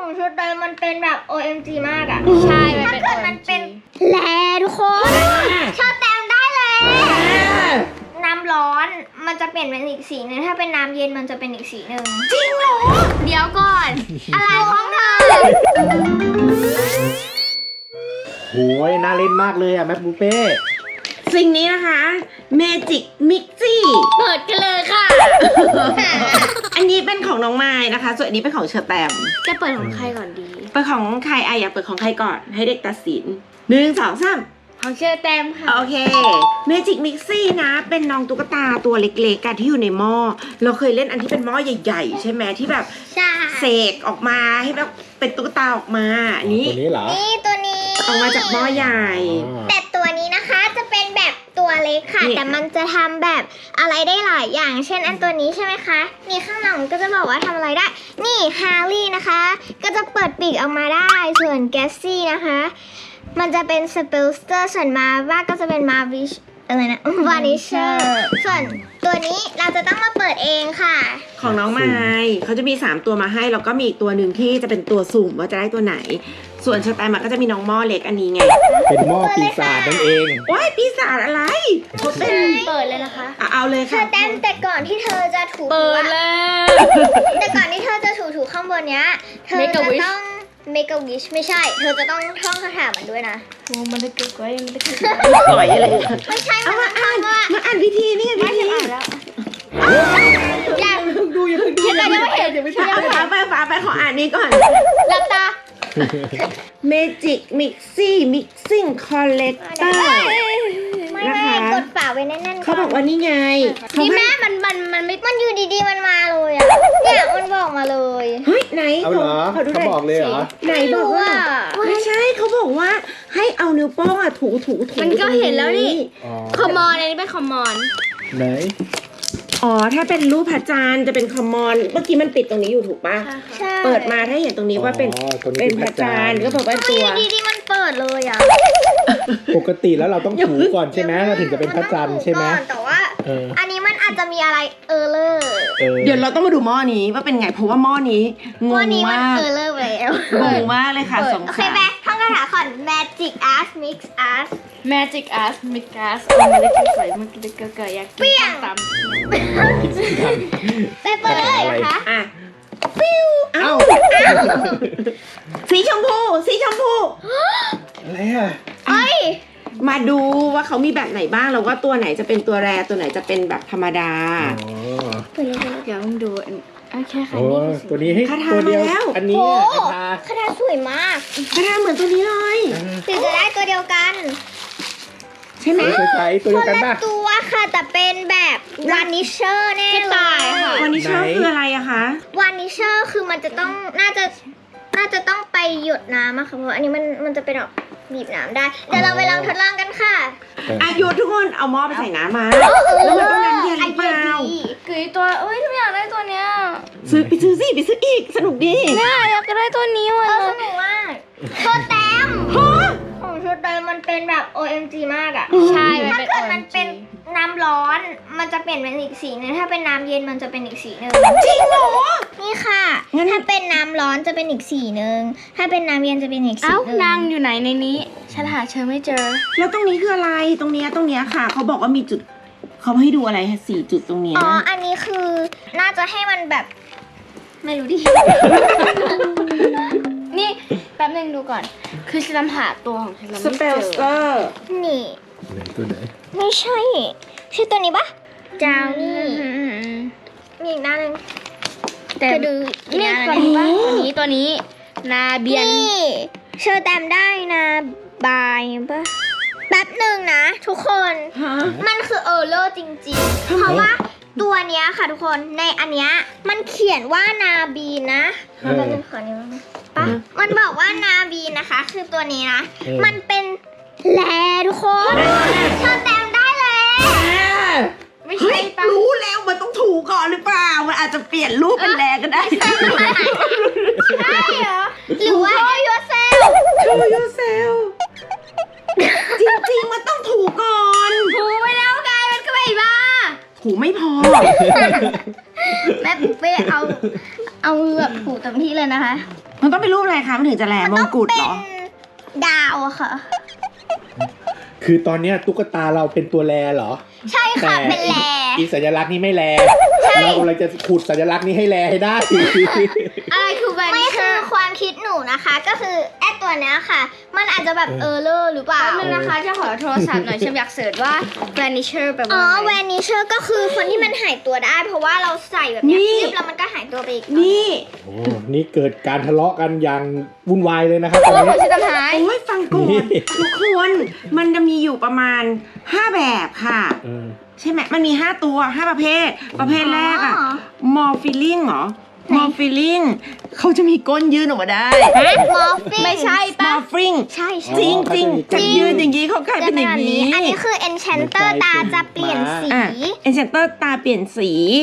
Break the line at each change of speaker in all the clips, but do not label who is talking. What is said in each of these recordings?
ของชุดเดิมมันเป็นแบบ OMG มากอะ
ใช่
ถ้าเกิดมันเป็นแลทุกคนชอบแต้มได้เลยน้ำร้อนมันจะเปลี่ยนเป็นอีกสีนึงถ้าเป็นน้ำเย็นมันจะเป็นอีกสีนึงจริงเหรอเดี๋ยวก่อนอะไรของเธอ
โหยน่าเล่นมากเลยอะแมปบูเป้
สิ่งนี้นะคะเมจิกมิกซี่
เปิดกันเลยค่ะ
อันนี้เป็นของน้องไม้นะคะส่วนอันนี้เป็นของเชอร์แตม
จะเปิดของใครก่อนดี
เปิดของใครอยากเปิดของใครก่อนให้เด็กตัดสิน1 2 3
ของเชื่อแต้มค่ะ
โอเคเมจิกมิกซี่นะเป็นน้องตุ๊กตาตัวเล็กๆกันที่อยู่ในหม้อเราเคยเล่นอันที่เป็นหม้อใหญ่ๆใช่ไหมที่แบบเสกออกมาให้แบบเป็นตุ๊กตาออกมาอันนี้
ตัวนี้เหรอ
นี่ตัวนี้
ออกมาจากหม้อใหญ่
แต่ตัวนี้นะคะจะเป็นแบบตัวเล็กค่ะ
นี่
แต่มันจะทำแบบอะไรได้หลายอย่าง เช่นอันตัวนี้ใช่ไหมคะนี่ข้างหลังก็จะบอกว่าทำอะไรได้ นี่ฮาร์รี่นะคะ ก็จะเปิดปีกออกมาได้ส่วนแกสซี่นะคะมันจะเป็นสเปลสเตอร์ส่วนมาว่าก็จะเป็นมาวิชอะไรนะวานิเชอร์ส่วนตัวนี้เราจะต้องมาเปิดเองค่ะ
ของน้องไม้เขาจะมี3ตัวมาให้แล้วก็มีอีกตัวหนึ่งที่จะเป็นตัวสุ่มว่าจะได้ตัวไหน ส่วนเชอร์แตมก็จะมีน้องหม้อเล็กอันนี้ไง
เป็นหม้อปีศาจนั่นเอง
ว้ายปีศาจอะไรเขาเป็น
เปิดเลยนะคะ
เอาเลย
เธ
ค่ะ
อแต่ก่อนที่เธอจะถู
เปิด
อะ
แล้ว
แต่ก่อนที่เธอจะถูข้างบนเนี้ย เธอ
Make a
จะ
wish
ต้อง make a wish ไม่ใช่ เธอจะต้องท่องคาถามันด้วยนะ
โอ้มันจะเกิดไว้มันจะเกิด
ปล่อยอะไร
ไม่ใช่
เอา
มั
มาน อ่าน
ว่า
มาอ่านพิธีนี่ไงพิธี
แล้ว
อย่าง
ดูยัง
เห็นอะไรไม่เห็น
เอาฝาไปขออ่านนี้ก่อน
หลับตา
Magic Mixie Mixing Collector
ไม่
นะคะ
กดฝาไว้แน่นๆ
เขาบอกว่านี่ไงเขา
นี่
ให้
แม่มันไม่
มันอยู่ดีๆมันมาเลยอ่ะ เนี่ยมันบอกมาเลย
เฮ้ยไหน
เอาเหรอ
เขาดูห
เขา
น่
บอกเลยเหรอ
ไหนบอกว่า ไม่ใช่เขาบอกว่าให้เอานิ้วโป้งอะถู
มันก็เห็นแล้วนี่
อ๋อ
คอมมอนอันนี้เป็นคอมมอน
ไหน
อ๋อถ้าเป็นรูปพระจันทร์จะเป็นคอมมอนเมื่อกี้มันปิดตรงนี้อยู่ถูกปะ
ใช่
เปิดมาถ้าเห็นตรงนี้ว่าเป็น
อ๋อตัวนี้
เป็นพระจันทร์ก็บอกว่า
ไม่
ตัว
อยู่ดีๆมันเปิดเลยอ่ะ
ปกติแล้วเราต้องถูก่อนใช่ไหมเราถึงจะเป็นพระจันทร์ใช่ไหม
นต้องถูกก่อนแต่ว่า
เออ
อันนี้มันอาจจะมีอะไรเลอร์
เออ
เดี๋ยวเราต้องมาดูหม้อนี้ว่าเป็นไงเพราะว่าหม้อนี้ง
วัน
ง
นี้มัน
มาก
เลอร์ไปแล้ว
งงมากเลยค่ะสง
โอเค
สาร
ไหมท่องคาถาก่อน Magic Art Mix Art
Magic Art Mix Art มันจะสวยมันจะเกิดอยาก
เปรี้ยง
ตาม
ไปเปิดเลยนะคะ
อ่ะเอ้าสีชมพูสีชมพู
อะไรอ่ะ
เอ้ย
มาดูว่าเขามีแบบไหนบ้างแล้วว่าตัวไหนจะเป็นตัวแรตัวไหนจะเป็นแบบธรรมดา
อ๋อ
เดี๋ยวต้องดูแค่ค่ะ
โอ้
นี่คือสี
ตัวนี้ให้
คาถา
ตัวเดียว
มาแล้ว
อันนี้
โอ้
อ่ะคาถา
คาถาสวยมาก
กระดาษเหมือนตัวนี้เลย
ถึงจะได้ตัวเดียวกัน
ใช่ไหม
คล้ายๆตัว
ค
เดียวน กัน
ละ
ป่ะ
ตัวค่ะแต่เป็นแบบวานิเชอร์แน่
กระ
เล
ต่าย
ย
ค่ะ
วันนี้ชอบ
ไหน
คืออะไรอะคะ
วานิเชอร์คือมันจะต้องน่าจะต้องไปหยดน้ำอะค่ะเพราะอันนี้มันจะเป็นแบบบีบน้ำได้ เดี๋ยวเราไปลองทดลองกันค่ะ
อายุทุกคนเอาหม้อไปใส่น้ำมาแล้วมันต้องน้ำเย็นหรือเปล่า
กรีดตัวเอ้ยทุกอยากได้ตัวเนี้ย
ซื้อไปซื้อสิไปซื้ออีกสนุกดี
เนี่ยอยากได้ตัวนี้ว่ะ
สนุกมากตัวแต้มของชุดเดิมมันเป็นแบบ OMG มากอะ
ใช่
ถ้า
มัน
เกิด
เป็น
มันเป็นน้ำร้อน มันจะเปลี่ยนเป็นอีกสีนึงถ้าเป็นน้ำเย็นมันจะเป็นอีกสีนึง
จริงเหรอ
นี่ค่ะ
งั้น
ถ้าเป็นน้ำร้อนจะเป็นอีกสีนึงถ้าเป็นน้ำเย็นจะเป็นอีกสี
เอ้า
นึง
นางอยู่ไหนในนี้ ฉันหาเธอไม่เจอ
แล้วตรงนี้คืออะไรตรงเนี้ยค่ะเขาบอกว่ามีจุดเขาให้ดูอะไร4 จุดตรงเนี้ย
อ๋อ อันนี้คือน่าจะให้มันแบบ ไม่รู้ดิ
นี่แป๊บนึงดูก่อน คือฉันหาตัวของฉันแล้ว
ส
ไม่
เป
เจ
ล
อ
สเตอร์
นี่
ไหนตัวไหน
ไม่ใช่ใช่ตัวนี้ปะจาวนี่ มีอีกหน้าหนึง
แต่
จะดู
นี่
อีกห
ตัว
น้าห
นี้
นึ่ง
ปะตัวนี้ นาเบียน
นี่เชอร์แตมได้นะบายปะแป๊บหนึ่งนะทุกคน
ฮะ
มันคือเลอร์จริงๆ เพราะว่าตัวเนี้ยค่ะทุกคนในอันเนี้ยมันเขียนว่านาบีนนะแป๊บนึงขอนิ้วนะปะมันบอกว่านาบีนนะคะ คือตัวนี้นะ มันเป็นแลทุกคนเชอร์แตมได้แล้ว
ไม่
เฮ้
ใช่
ย
ปะ
รู้แล้วมันต้องถูก่อนหรือเปล่ามันอาจจะเปลี่ยนรูปเป็นแลก็ได้
ใช่เหรอหรือว่า show yourself
Show yourself จริงๆมันต้องถูก่อน
ถูไปแล้วไงมันก็ไม่บ้า
ถูไม่พอ
แม่ปุ๊กเป้เอามือแบบถูเต็มที่เลยนะคะ
มันต้องเป็นรูปอะไรคะมันถึงจะแลมงกุฎเหรอ
ดาวอะค่ะ
คือตอนเนี้ยตุ๊กตาเราเป็นตัวแลเหรอ
ใช่ค่ะ
แต่
เป็นแล
อีสัญลักษณ์นี้ไม่แล เรากำลังจะขุดสัญลักษณ์นี้ให้แลให้ได้
อะไรคือแว
ไม่
นิเช
คือ
อร์
ความคิดหนูนะคะ ก็คือแอดตัวเนี้ยค่ะ มันอาจจะแบบเลอร์หรือเปล่า
แป๊บนึงนะคะจะขอโทรศัพท์หน่อยฉันอยากเสิร์ชว่าแวนิเชอร์แปลว่า
อ๋อ
อะไร
แวนิเชอร์ก็คือคนที่มันหายตัวได้ เพราะว่าเราใส่แบบเนี้ย
นี่
ปึ๊บแล้วมันก็หายตัวไปอีก
นี่
โอ้นี่เกิดการทะเลาะกันอย่างวุ่นวายเลยนะครับต
ตั
อ
วน ขอ
นี้
งฉันหาย
โอ้ยฟังก่อน
นี่
ทุกคนมันจะมีอยู่ประมาณ 5 แบบค่ะ
เออ
ใช่ไหมมันมี 5 ตัว 5 ประเภท ประเภทแรกอะมอร์ฟิลลิ่งเหรอมอร์ฟิลลิ่งเขาจะมีก้นยื่นออกมาได้
มอร์ฟิน
ไม่ใช่
ม
ปะ
อร์ฟิง
ใช่ใช่
จริงจริง
จริ
จะ
ง
ยืนอย่างนี้เขากลาย
จะ
เป็น
เป็
อน ย่า
แบบ
ง
นี้
นี้
อันนี้คือ Enchanter ตาจะเปลี่ยนสี
อ่ะเอ็นเซนเตอร์ตาเปลี่ยนสี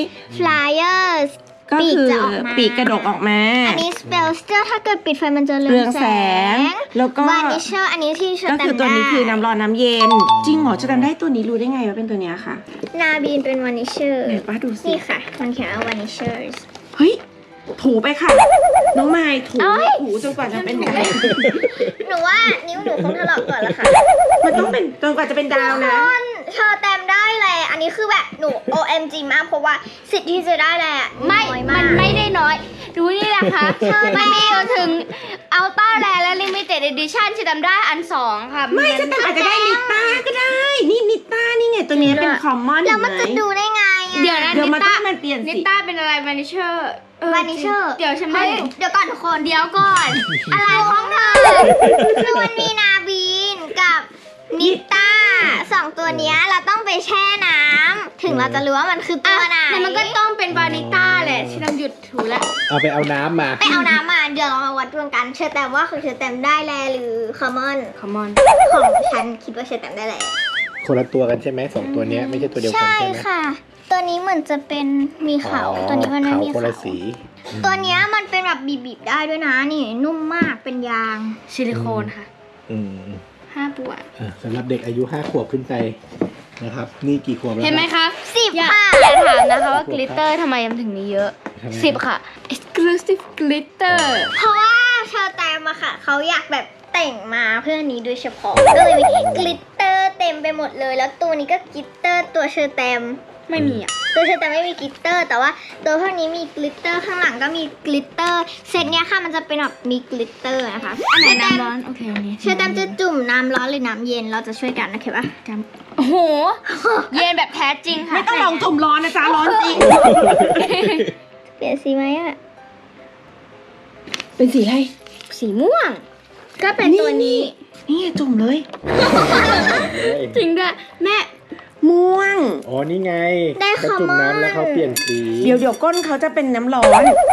Flyers
ก็
ปีก
คือ
จะออกมา
ปีกกระดกออกมา
อันนี้ Spellster ถ้าเกิดปิดไฟมันจะเรื
เรื
อ
อง ง
แส
แส
ง
งแล้วก็
Vanisher อันนี้ที่เชอ
ก็
ร์แต
คือ
ม
ตัว
ได้
นี้คือน้ำร้อนน้ำเย็น จริงเหรอจะจำได้ตัวนี้รู้ได้ไงว่าเป็นตัวเนี้ยค่ะ
นาบีนเป็น Vanisher
ไหนป้าดูสิ
นี่ค่ะ มันเขียนว่า Vanishers
เฮ้ยถูไปค่ะ น้องไม้ถู
เอ้ย
ถูจนกว่าจะเป็นดาว
หนูว่านิ้วหนูคงถลอกก่อนละค่ะ
มันต้องเป็นจนกว่าจะเป็นดาวนะ
คนเชอร์แตมได้เลย อันนี้คือแบบหนู OMG มากเพราะว่าสิทธิ์ที่จะได้เลยอะ
ไม่
น้อย
มั
มาก
นไม่ได้น้อย ดูนี่แหละค่ะมันมีจนถึงอัลต้าแลและลิมิเต็ดเอดิชั่นฉันจำได้อัน 2 ค่ะ
ไม่จะแต่อาจจะได้นิต้าก็ได้ นี่นิต้านี่ไงตัวเนี้ยเป็นคอมมอน
แล้วมันจะดูได้ไงอะ
เดี๋ยวนะ
เดี๋ยว
นิ
มัน
ต้า
ต้องมันเปลี่ยน
นิ
สี
ต้าเป็นอะไรแวนิเชอร์
Vanisher
เดี๋ยวฉันไม่
เฮ้ยเดี๋ยวก่อนทุกคน
เดี๋ยวก่อน
อะไรของเธอ คือมันมีนาบีนกับนิต้าสองตัวเนี้ยเราต้องไปแช่น้ำถึงเราจะรู้ว่ามันคือตัวไหน
แต่มันก็ต้องเป็นวานิต้าแหละฉันต้องหยุดถูแล้ว
เอาไปเอาน้ำมา
ไปเอาน้ำมาเดี๋ยวเรามาวัดดวงกันเชอร์แตมว่าคือเชอร์แตมได้แลหรือคอมมอน
คอมมอน
ของฉันคิดว่าเชอร์แตมได้แล
คนละตัวกันใช่ไหมสองตัวเนี้ยไม่ใช่ตัวเดียวกัน
ใช่
ใช่ไหม
ค่ะ ตัวนี้เหมือนจะเป็นมีเขา
อ๋อ
ตัวนี้มันไม่
ขาว
มี
คนละ
เขา
สี
ตัวเนี้ยมันเป็นแบบบีบๆได้ด้วยนะนี่นุ่มมากเป็นยาง
ซิลิโคนค่ะ
อืม
5 ปวด
สำหรับเด็กอายุ5 ขวบขึ้นไปนะครับ นี่กี่ขวบแล้ว
เห็นไหม
ครับ
คะ
10
อย่า
ค่ะ
อย่าถามนะคะว่ากลิตเตอร์ทำไมมันถึงมีเยอะ
ทำไม
10 ค่ะ exclusive glitter
เพราะว่าเชอร์แตมอะค่ะเขาอยากแบบแต่งมาเพื่อนี้โดยเฉพาะก็เลยมีกลิตเตอร์เต็มไปหมดเลย แล้วตัวนี้ก็กลิตเตอร์ตัวเชอร์แตม
ไม่มีอ่ะ
ตัวเชอร์แตมไม่มีกลิตเตอร์ แต่ว่าตัวพวกนี้มีกลิตเตอร์ข้างหลังก็มีกลิตเตอร์เซตเนี้ยค่ะมันจะเป็นแบบมีกลิตเตอร์นะคะ
อันไหนน้ำร้อน โอเคอันนี้
เชอร์แตมจะจุ่มน้ำร้อนหรือน้ำเย็นเราจะช่วยกันนะคะปะ
โอ้โห เย็นแบบแท้จริงค่ะ
ไม่ต้องลองจุ่มร้อนนะจ๊ะร้อนจริง
เปลี่ยนสีไหมอะ
เป็นสีอะไร
สีม่วง ก็เป็นตัวนี้
นี่ไงจุ่มเลย
จริงด้วยแม่
ม่วง
อ๋อ นี่ไง
ได้
เขา
คอม
จุ่ม
มอน
น้ำแล้วเขาเปลี่ยนสี
เดี๋ยวก้นเขาจะเป็นน้ำร้อน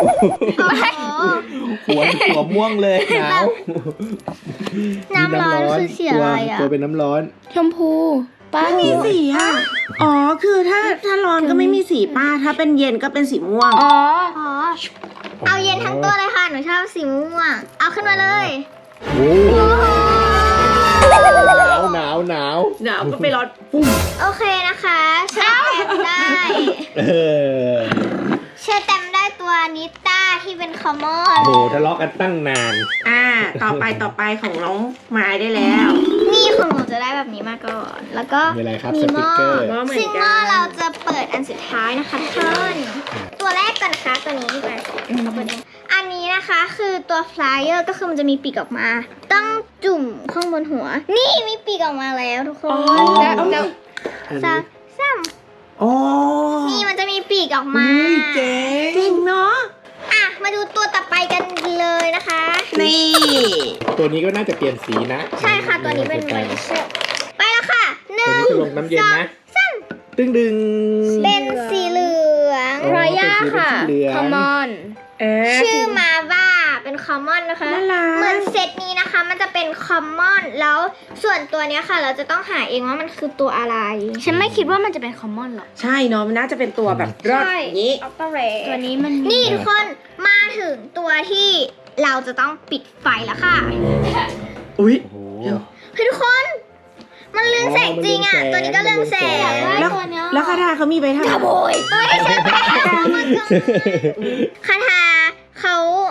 หัวม่วงเลยหนาว
น้ำร้อนคือสีอะไรอะ
ตัวเป็นน้ำร้อน
ชมพูป้า
ไม่มีสีอ่ะ อ๋อ คือถ้าร้อนก็ไม่มีสีป้า ถ้าเป็นเย็นก็เป็นสีม่วง
อ๋อ
อ๋อ เอาเย็นทั้งตัวเลยค่ะ หนูชอบสีม่วง เอาขึ้นมาเลย
โอ้
โอ้โห
หนาว
หนาวก็ไปร้อนปุ้ม
โอเคนะคะเชอร์แตมได้
เออ
เชอร์แตมได้ตัวนิต้าที่เป็นคอมมอน
โหทะเลาะกันตั้งนาน
ต่อไปของน้องไม้ได้แล้ว
นี่ของหนูจะได้แบบนี้มาก่อน แล้วก็
มีอะไรครับ
มี
ส
ห
ติ
ม้
ก
อ
เกอร์
หม้อเหมือนกัน
ซึ่งหม้อเราจะเปิดอันสุดท้ายนะคะทุกคนตัวแรกก่อนนะคะตัวนี้ไปเอาเปิดเองอันนี้นะคะคือตัวฟลายเออร์ก็คือมันจะมีปีกออกมา ต้องจุ่มข้างบนหัว นี่มีปีกออกมาแล้วทุกคน
แล้ว
อัน
สา
นี้
มสาม
อ๋อ
นี่มันจะมีปีกออกมา
อุ้ยเจ๋ง
จริงเนาะ
อ่ะมาดูตัวต่อไปกันเลยนะคะ
นี่
ตัวนี้ก็น่าจะเปลี่ยนสีนะ
ใช่ค่ะตัวนี้เป็น
ตัว
ไวเชอร์ไปแล้วค่ะหนึ่
นี้
ง
จะลงน้ำเย็นนะ
สาม
ตึ้งดึง
เป็นสีเหลือง
อ๋อ
รอยัลค่ะ
เป็นสีเหลือง
คอมมอน
ชื่อมาว่าเป็นคอมมอนนะคะ
น่ารัก
เหมือนเซตนี้นะคะ มันจะเป็นคอมมอนแล้วส่วนตัวเนี้ยค่ะ เราจะต้องหาเองว่ามันคือตัวอะไร
ฉันไม่คิดว่ามันจะเป็นคอมมอนหรอก
ใช่เนาะ มันน่าจะเป็นตัวแบบรอด
ใช่
อย่างนี้
ออปเปอเร
ตัวนี้มัน
นี่ทุกคนมาถึงตัวที่เราจะต้องปิดไฟแล้วค่ะ
อุ้ย
โอ้โห
เฮ้ยทุกคน มันเรืองแสงจริงอ่ะ ตัวนี้ก็เรืองแสง
แล้วแล้วคาถาเขามีไปทำ
เฮ้ยใช่ไหมคาถาเขา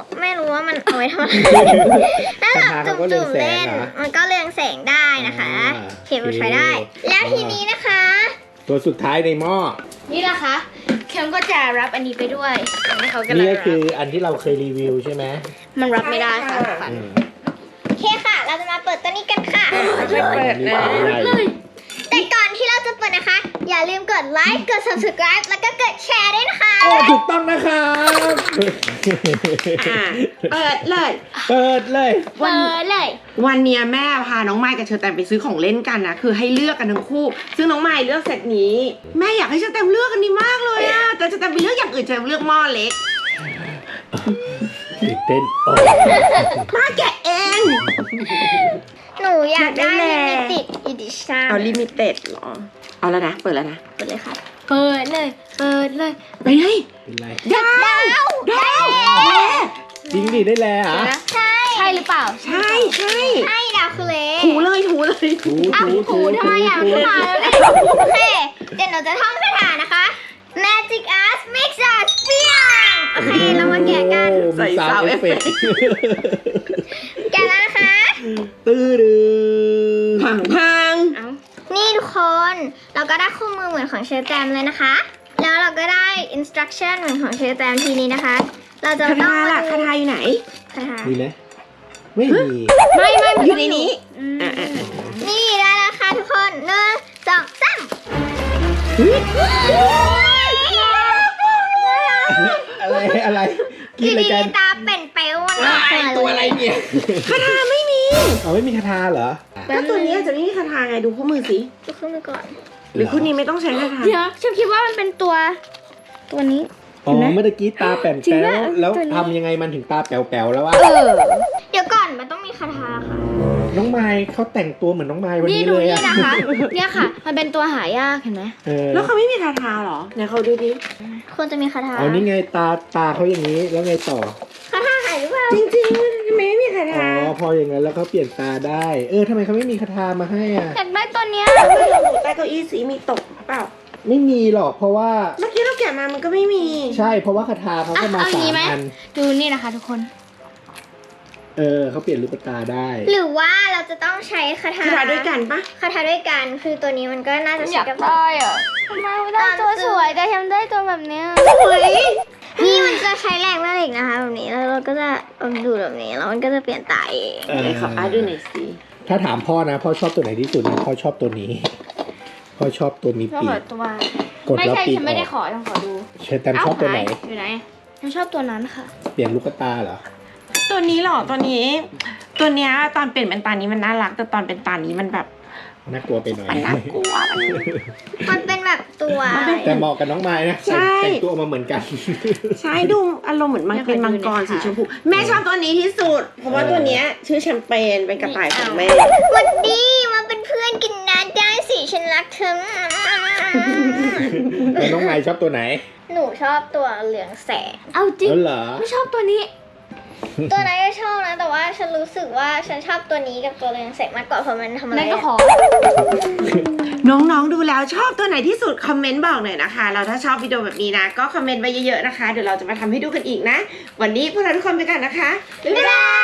ไม่รู้ว่ามันเอาไว้ทำอะไรถ้าแบบจุ่มๆเล่นมันก็เรืองแสงได้นะคะเคเบิลใช้ได้ แล้วทีนี้นะคะ
ตัวสุดท้ายในหม้อ
นี่นะคะเค็มก็จะรับอันนี้ไปด้วยอันนี้เขากำลั
นี่
ง
ก็
รับ
คืออันที่เราเคยรีวิวใช่ไหม
มันรับไม่ได้ค่ะทุกคน
โอเคค่ะ เราจะมาเปิดตัวนี้กันค่ะ
ไม่เปิดเลย
แต่ก่อนที่เราจะเปิดนะคะ อย่าลืมกดไลค์กด subscribe แล้วก็กดแชร์ด้วยนะคะ
โอ้ถูกต้องนะครับ
เปิดเลย
เปิดเลย
เปิดเลย
วันเนี้ยแม่พาน้องไมค์กับเชอร์แตมไปซื้อของเล่นกันนะคือให้เลือกกันทั้งคู่ ซึ่งน้องไมค์เลือกเซตนี้ แม่อยากให้เชอร์แตมเลือกอันนี้มากเลยอะแต่เชอร์แตมไปเลือกอย่างอื่นเชอร์แตมเลือกหม้อเล็ก
ตื่นเต้นโอ้
มาแกะเอง
หนูอยากได้
ได้แหละ
limited edition
เอาลิมิเต็ดเหรอเอาแล้วนะเปิดแล้วนะ
เปิดเลยค่ะ
เปิดเลยเปิดเลย
ไปเลย
เป็นไร
ดาวแม่
จริงดิได้แล้วเหรอ
ใช่หรือเปล่า
ใช่ใช่
ให้ดาวคือเล
ถูเลยถูเลย
ถู
ถูทำไมอ่ะ
ถู
มาแล้วเนี่ย
โอเค เดี๋ยวหนูจะท่องคาถานะคะ Magic Art Makes Us Feel โอเค เรามาแกะกัน
โอ้มีซาวด์เอฟเฟกต์
แกะแล้วนะคะ
ตื้อดื้อ
พัง
เอ้า
นี่ทุกคน เราก็ได้คู่มือเหมือนของเชอร์แตมเลยนะคะ แล้วเราก็ได้ instruction เหมือนของเชอร์แตมทีนี้นะคะ เราจะ
คา
ต้อ
ถาง ล่ะ
มา
คา
ดู
ถาอยู่ไหน
คาถา
มีไหมไม่มี
ไม่มัน
อยู่ในนี้
อืม
นี่ได้แล้วค่ะทุกคน1 2 3
อะไรกิ
ที
นอะไร
นี้
กัน
ตาเป็นเปลวมันออกมา
ตัวอะไรเนี่ย
คาถาไม่มี
เอาไม่มีคาถาเหรอ
ก็ตัวนี้อาจจะไม่มีคาถาไงดูคู่มือสิ
จะขึ้นไปก่อน
หรือคู่นี้ไม่ต้องใช้คาถา
เดี๋ยวฉันคิดว่ามันเป็นตัวนี้
อ๋อเมื่อกี้ตาแป๋ว
จริง
แป๋
ปะ
วแล้ว
ตัวนี้
ทำยังไงมันถึงตาแป๋วแป๋วแล้ววะ
เดี๋ยวก่อนมันต้องมีคาถาค่ะ
น้องไม้เขาแต่งตัวเหมือนน้องไม้วัน
นี่
นี้
ดู
เลย
นี่
อะ
นะคะ เนี่ยค่ะ มันเป็นตัวหายากเห็นไหม
เออ
แล้วเขาไม่มีคาถาเหรอไหนเขาดูดิ
ควรจะมีคาถา
เอานี่ไงตาเขาอย่างนี้แล้วไงต่อ
คาถาหายหรือเปล่า
จริงๆทำไมไม่มีคา
อ๋
ถา
อพออย่างนั้นแล้วเขาเปลี่ยนตาได้ ทำไมเขาไม่มีคาถามาให้อ่ะ
อยากได้ตัวเนี้ย
ใต้เก้าอี้สีมีตกเปล่า
ไม่มีหรอกเพราะว่า
เมื่อกี้เราแกะมามันก็ไม่มี
ใช่เพราะว่าคาถาเขาก็มา
เอาอย่าง
3
นี้ไหม
อัน
ดูนี่นะคะทุกคน
เขาเปลี่ยนลูกตาได้
หรือว่าเราจะต้องใช้คาถา
คาถาด้วยกันปะ
คาถาด้วยกัน คือตัวนี้มันก็น่าจะ
อ
ใช้
ยาก
กับ
ได้อะทำไมไม่ได้ตัวสวยแต่ทำได้ตัวแบบเนี้ย
นี่มันจะใช้แรงแม่เหล็กนะคะแบบนี้ แล้วเราก็จะเอาดูดแบบนี้ แล้วมันก็จะเปลี่ยนตาเอง
ไหนขออาดูหน่อยสิ
ถ้าถามพ่อนะพ่อชอบตัวไหนที่สุดนะพ่อชอบตัวนี้ พ่อชอบตัวมี
ชอบ
ปี
แบ
ก
บตัว
กด
ไม่
แล้ว
ใช่
ปีก
ฉัน
อ
ไม่ได้
อก
ขอต้องขอดู
เชตแตมชอบตัวไหน
หายอยู่ไหนฉันชอบตัวนั้นค่ะ
เปลี่ยนลูกตาเหรอ
ตัวนี้เหรอตัวนี้ ตัวเนี้ยตอนเปลี่ยนเป็นตานี้มันน่ารักแต่ตอนเป็นตานี้มันแบบ
น่ากลัวไปหน่อย
มันน่ากลัวมัน
มันเป็นแบบตัว
แต่เหมาะกับน้องไม้นะ
ใช่
แต่งตัวออกมาเหมือนกัน
ใช่ดูอารมณ์เหมือนมันเป็นมังกรสีชมพูแม่ชอบตัวนี้ที่สุด เพราะว่าตัวเนี้ยชื่อแชมเปญเป็นกระต่ายของแม่
วันดีมาเป็นเพื่อนกินน้ำได้สิฉันรักเธอ
แล้วน้องไม้ชอบตัวไหน
หนูชอบตัวเหลืองแสง
เอาจริง
แล้วเหรอ
ไม่ชอบตัวนี้
ตัวนั้นก็ชอบนะ แต่ว่าฉันรู้สึกว่าฉันชอบตัวนี้กับตัวเหลืองแสงมากกว่าเพราะมันทำอะไร
นั่นก็ขอ
น้องๆดูแล้วชอบตัวไหนที่สุดคอมเมนต์บอกหน่อยนะคะแล้วถ้าชอบวิดีโอแบบนี้นะก็คอมเมนต์ไว้เยอะๆนะคะเดี๋ยวเราจะมาทำให้ดูกันอีกนะ วันนี้พวกเราทุกคนไปกันนะคะบ๊ายบาย